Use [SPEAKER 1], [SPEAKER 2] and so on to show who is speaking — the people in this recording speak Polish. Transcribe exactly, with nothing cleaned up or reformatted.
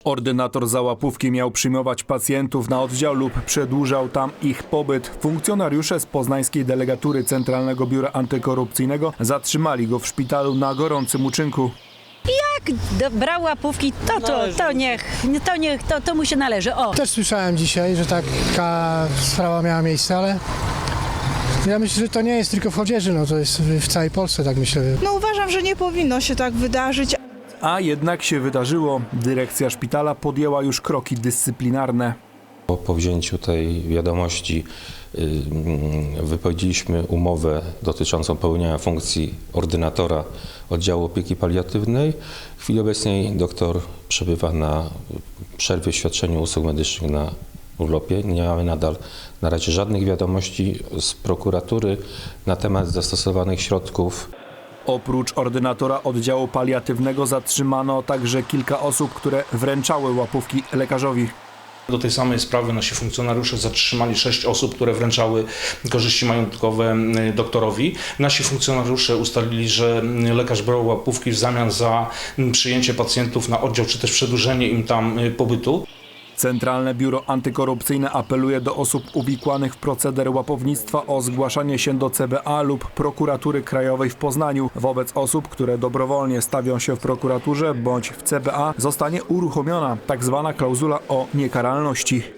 [SPEAKER 1] Ordynator za łapówki miał przyjmować pacjentów na oddział lub przedłużał tam ich pobyt. Funkcjonariusze z poznańskiej delegatury Centralnego Biura Antykorupcyjnego zatrzymali go w szpitalu na gorącym uczynku.
[SPEAKER 2] Jak do, brał łapówki, to, to, to niech, to, niech to, to mu się należy. O.
[SPEAKER 3] Też słyszałem dzisiaj, że taka sprawa miała miejsce, ale ja myślę, że to nie jest tylko w Chodzieży, no to jest w całej Polsce, tak myślę.
[SPEAKER 4] No uważam, że nie powinno się tak wydarzyć.
[SPEAKER 1] A jednak się wydarzyło. Dyrekcja szpitala podjęła już kroki dyscyplinarne.
[SPEAKER 5] Po, po wzięciu tej wiadomości y, wypowiedzieliśmy umowę dotyczącą pełnienia funkcji ordynatora oddziału opieki paliatywnej. W chwili obecnej doktor przebywa na przerwie w świadczeniu usług medycznych na urlopie. Nie mamy nadal na razie żadnych wiadomości z prokuratury na temat zastosowanych środków.
[SPEAKER 1] Oprócz ordynatora oddziału paliatywnego zatrzymano także kilka osób, które wręczały łapówki lekarzowi.
[SPEAKER 6] Do tej samej sprawy nasi funkcjonariusze zatrzymali sześć osób, które wręczały korzyści majątkowe doktorowi. Nasi funkcjonariusze ustalili, że lekarz brał łapówki w zamian za przyjęcie pacjentów na oddział, czy też przedłużenie im tam pobytu.
[SPEAKER 1] Centralne Biuro Antykorupcyjne apeluje do osób uwikłanych w proceder łapownictwa o zgłaszanie się do C B A lub Prokuratury Krajowej w Poznaniu. Wobec osób, które dobrowolnie stawią się w prokuraturze bądź w C B A, zostanie uruchomiona tzw. klauzula o niekaralności.